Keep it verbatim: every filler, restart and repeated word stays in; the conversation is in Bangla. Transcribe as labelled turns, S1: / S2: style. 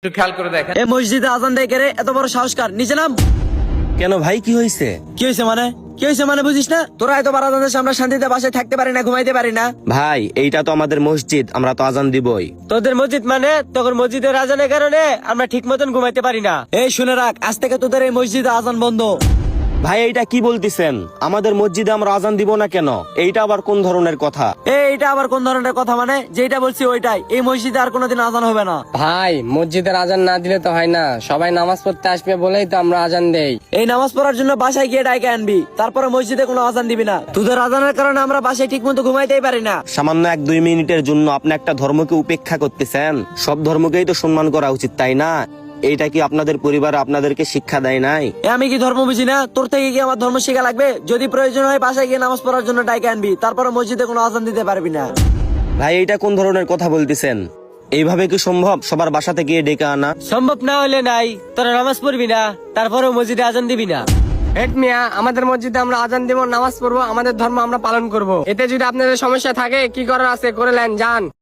S1: একটু খেয়াল করে দেখেন।
S2: এই মসজিদে আজান দেয় কে রে? এত বড় সাহস কার? নিচে নাম।
S3: কেন ভাই, কি হয়েছে?
S2: কি হয়েছে মানে? কি হয়েছে মানে বুঝিস না? তোরা এত বার আজান দিস, আমরা শান্তিতে বাসায় থাকতে পারি না, ঘুমাইতে পারি না।
S3: ভাই, এইটা তো আমাদের মসজিদ, আমরা তো আজান দিবই।
S4: তোদের মসজিদ মানে তখন মসজিদের আজানের কারণে আমরা ঠিক মতন ঘুমাইতে পারি না।
S2: এই শুনে রাখ, আজ থেকে তোদের এই মসজিদে আজান বন্ধ।
S3: ভাই, এইটা কি বলতেছেন? আমাদের মসজিদে আমরা আজান দিব না কেন? এইটা আবার কোন ধরনের কথা?
S2: এই এটা আবার কোন ধরনের কথা মানে? যেটা বলছি ওইটাই, এই মসজিদে আর কোনোদিন আজান হবে না।
S5: ভাই, মসজিদের আজান না দিলে তো হয় না, সবাই নামাজ পড়তে আসবে বলেই তো আমরা আজান দেই।
S2: এই নামাজ পড়ার জন্য বাসায় গিয়ে ডাইকে আনবি, তারপরে মসজিদে কোনো আজান দিবি না। তোদের আজানের কারণে আমরা বাসায় ঠিক মতো ঘুমাইতেই পারি না।
S3: সামান্য এক দুই মিনিটের জন্য আপনি একটা ধর্মকে উপেক্ষা করতেছেন? সব ধর্মকেই তো সম্মান করা উচিত, তাই না? এইটা কি আপনাদের পরিবার আপনাদেরকে শিক্ষা দেয় নাই?
S2: এ আমি কি ধর্ম বুঝি না? তোর থেকে কি আমার ধর্ম শেখা লাগবে? যদি প্রয়োজন হয় বাসায় গিয়ে নামাজ পড়ার জন্য ডাইকে আনবি, তারপরে মসজিদে কোনো আজান দিতে পারবি না।
S3: ভাই, এইটা কোন ধরনের কথা বলতেছেন? এইভাবে কি সম্ভব সবার বাসাতে গিয়ে ডেকে আনা?
S4: সম্ভব না হলে নাই, তোরা নামাজ পড়বি না, তারপরেও মসজিদে আজান দিবি না।
S5: হেড মিয়া, আমাদের মসজিদে আমরা আজান দিব, নামাজ পড়বো, আমাদের ধর্ম আমরা পালন করব। এতে যদি আপনাদের সমস্যা থাকে, কি করার আছে করে নেন, যান।